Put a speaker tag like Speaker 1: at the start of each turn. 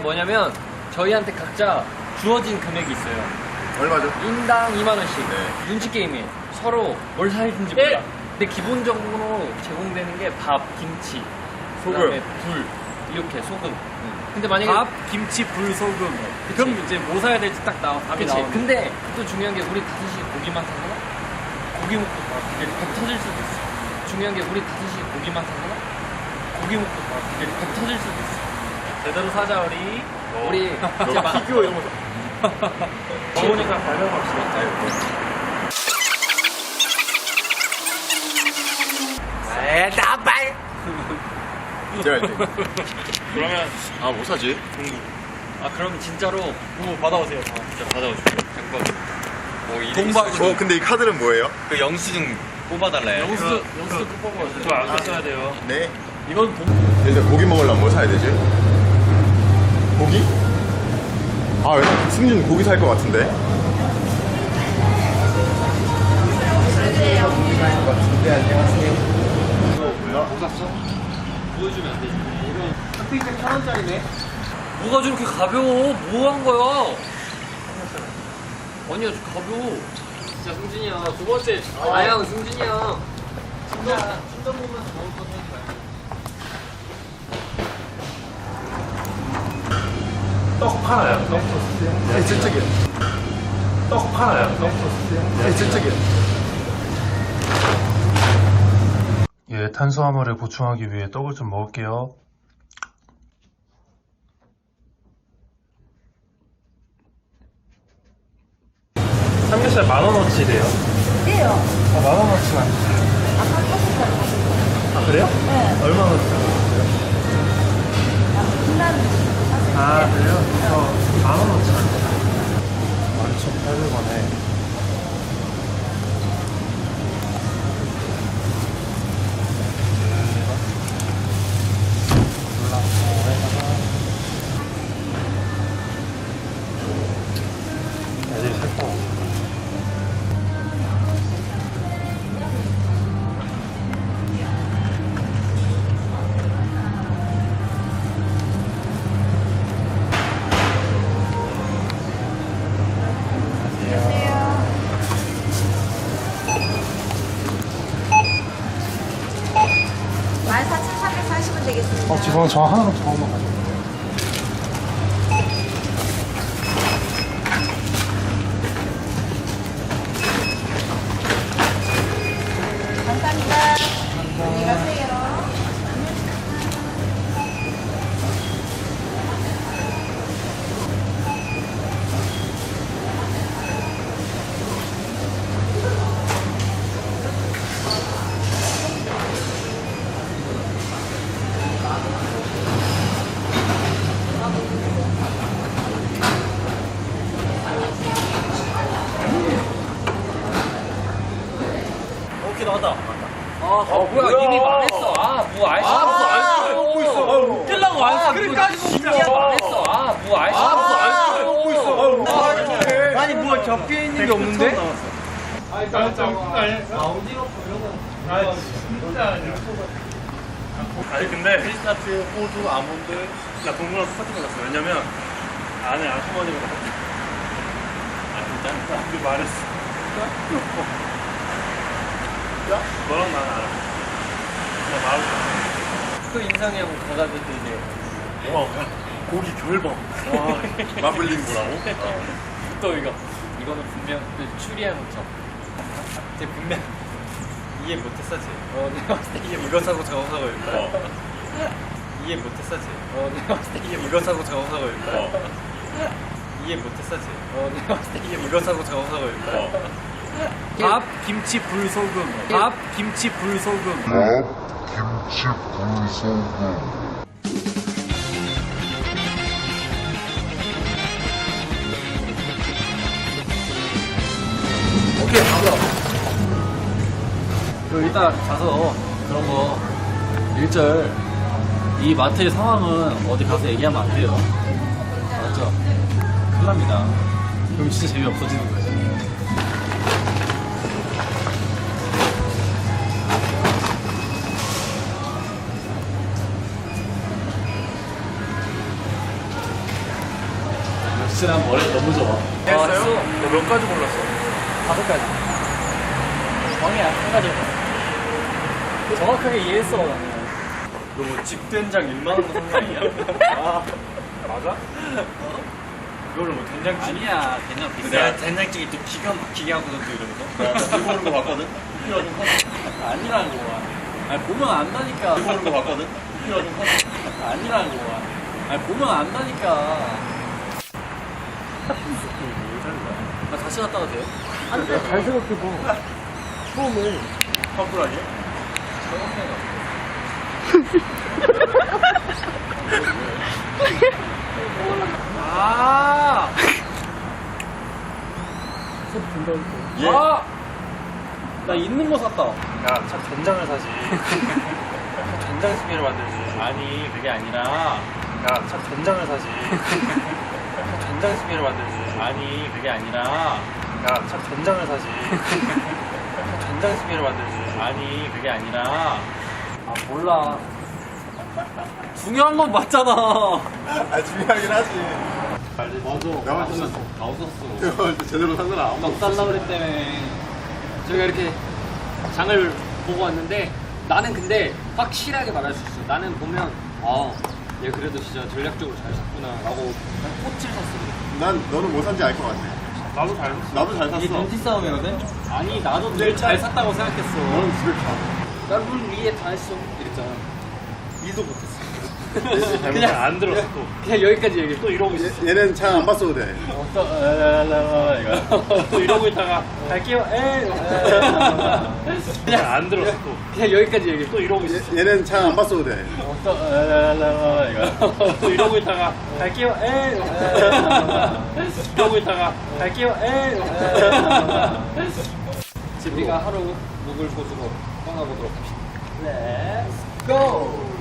Speaker 1: 뭐냐면 저희한테 각자 주어진 금액이 있어요.
Speaker 2: 얼마죠?
Speaker 1: 인당 2만원씩.
Speaker 2: 네.
Speaker 1: 눈치 게임이에요. 서로 뭘 사야 되는지 몰라. 근데 기본적으로 제공되는 게 밥, 김치,
Speaker 2: 소금.
Speaker 1: 그다음에 불, 이렇게 소금. 근데 만약에
Speaker 3: 밥, 김치, 불, 소금. 그럼 이제 뭐 사야 될지 딱 나와. 답이
Speaker 1: 그치.
Speaker 3: 나오는.
Speaker 1: 근데 또 중요한 게 우리 다섯이 고기만 사거나 고기 먹고 배 터질 수도 있어. 중요한 게 우리 다섯이 고기만 사거나 고기 먹고 배 터질 수도 있어.
Speaker 3: 제대로 사자 우리.
Speaker 1: 우리 이제 막
Speaker 2: 피규어 이런 거.
Speaker 3: 좋으니까 발명합시다.
Speaker 2: 제가 이제.
Speaker 3: 그러면
Speaker 2: 아, 뭐 사지?
Speaker 1: 아 그럼 진짜로
Speaker 3: 뭐 받아오세요.
Speaker 1: 진짜 받아오십시오. 장박. 뭐
Speaker 3: 동박.
Speaker 2: 근데 이 카드는 뭐예요?
Speaker 1: 그 영수증 뽑아달래요.
Speaker 3: 영수도 꼭 뽑아오세요. 그거 안 사셔야 돼요.
Speaker 2: 네.
Speaker 3: 이건 동.
Speaker 2: 일단 고기 먹으려면 뭐 사야 되지? 고기? 아, 왜? 승준 고기 살 것 같은데?
Speaker 1: 보여주면 안 되지. 이건 핫팩 1,000원짜리네. 뭐가 저렇게 가벼워? 뭐 한 거야? 아니야, 저 가벼워. 진짜 승준이 형. 두 번째. 형, 승준이 형. 진짜 보면 좋을 것 같아.
Speaker 3: 떡 팔아요. 떡 토스트.
Speaker 2: 네, 저쪽이요.
Speaker 3: 떡 팔아요. 떡 토스트.
Speaker 2: 네, 저쪽이요.
Speaker 4: 예, 탄수화물을 보충하기 위해 떡을 좀 먹을게요.
Speaker 3: 삼겹살 10,000원어치래요.
Speaker 5: 네요.
Speaker 3: 아, 10,000원어치만.
Speaker 5: 아까 떴었어요.
Speaker 3: 아, 그래요?
Speaker 5: 네.
Speaker 3: 얼마나 아, 그래요? 10,000원어치. 11,800원에. 애들이 살 거.
Speaker 5: 만 4,340원 되겠습니다.
Speaker 3: 죄송해요. 저 하나만 더 먹어요.
Speaker 5: 감사합니다. 안녕히 가세요.
Speaker 3: 오케이, 나왔다.
Speaker 1: 뭐야, 이미 말했어. 뭐 알지?
Speaker 3: 먹고 있어. 웃기려고 안 사. 그러니까 진짜
Speaker 1: 말했어. 뭐 알지?
Speaker 3: 먹고 있어. 아니, 뭐 적혀 있는 게 없는데? 아니 근데 피스타치오, 호두, 아몬드 나 동그란 스타치 받았어. 왜냐면 안에 아주머니가 받았어. 아 진짜? 나 그 말했어. 야? 너랑 나는 알아. 나 말을
Speaker 1: 그 인상이 형 가가지고 이제
Speaker 3: 와 고기 결범. 와
Speaker 2: 마블링 뭐라고?
Speaker 1: 또 이거는 분명 그 추리한 것처럼 쟤 분명 이해 못했어 쟤. 내가 봤을 때 이거 사고 저거 사고 이거. 이해 못했어 쟤. 내가 봤을 때 이거 사고 저거 사고 이거. 이해 못했어 쟤. 내가 봤을 때 이거 사고 저거 사고 이거.
Speaker 3: 밥, 김치, 불, 소금. 밥, 김치, 불, 소금. 오케이, 가자. 그리고 이따 가서 그런 거 일절 이 마트의 상황은 어디 가서 얘기하면 안 돼요. 알았죠? 큰일 납니다. 그럼 진짜 재미없어지는 거예요. 진짜 난 머리가 너무 좋아.
Speaker 1: 했어요? 너 몇 가지 골랐어?
Speaker 3: 5가지. 광이야, 한 가지. 정확하게 이해했어, 나는.
Speaker 1: 너 뭐 집된장 2만 원 산 거 아니야? 아 맞아? 이걸로 뭐 된장찌개?
Speaker 3: 아니야, 된장 비싸.
Speaker 1: 내가 된장찌개 또 기가 막히게 하거든 또 이러면서.
Speaker 2: 이거 보는 거 봤거든?
Speaker 3: 아니라는 거야. 아니, 보면 안다니까.
Speaker 2: 이거 보는 거 봤거든?
Speaker 3: 아니라는 거야. 아니, 보면 안다니까. 나 다시 갔다 와도 돼요?
Speaker 1: 잘 생각해봐. 처음에
Speaker 2: 커플하게?
Speaker 3: 아!
Speaker 2: 예.
Speaker 3: 아! 나 있는 거 샀다.
Speaker 1: 야, 참 된장을 사지. 된장찌개를 만들지.
Speaker 3: 아니, 그게 아니라.
Speaker 1: 야, 참 된장을 사지. 된장찌개를 만들지.
Speaker 3: 아니, 그게 아니라.
Speaker 1: 야, 참 된장을 사지. 된장찌개를 만들지.
Speaker 3: 아니, 그게 아니라. 아, 몰라. 중요한 건 맞잖아.
Speaker 2: 아, 중요하긴 하지.
Speaker 3: 맞아.
Speaker 2: 내가 맞췄어.
Speaker 3: 나 없었어.
Speaker 2: 이거 제대로 산 거는 아무도
Speaker 3: 넉 달라 그랬다며.
Speaker 6: 저희가 이렇게 장을 보고 왔는데 나는 근데 확실하게 말할 수 있어. 나는 보면 얘 그래도 진짜 전략적으로 잘 샀구나 라고 꽃을 샀어.
Speaker 2: 난 너는 뭐 산지 알 것 같아.
Speaker 1: 나도 잘 샀어.
Speaker 2: 나도 잘 샀어.
Speaker 3: 이게 눈치 싸움이거든?
Speaker 6: 아니 나도
Speaker 3: 늘 잘 샀다고 생각했어.
Speaker 2: 너는 집에 가.
Speaker 6: 나물 위에 다 했어 이랬잖아.
Speaker 3: 일도 못했어.
Speaker 1: 그냥 안 들었어 또.
Speaker 6: 그냥 여기까지 얘기해.
Speaker 1: 또 이러고 있어.
Speaker 2: 얘는 차 안 봤어도 돼.
Speaker 1: 또 이러고 있다가 갈게요. 그냥 안 들었어 또.
Speaker 6: 그냥 여기까지 얘기해.
Speaker 1: 또 이러고 있어.
Speaker 2: 얘는 차 안 봤어도 돼.
Speaker 1: 또 이러고 있다가 갈게요. 이러고 있다가 갈게요.
Speaker 6: 우리가 하루 묵을 곳으로 떠나보도록 합시다.
Speaker 3: Let's go!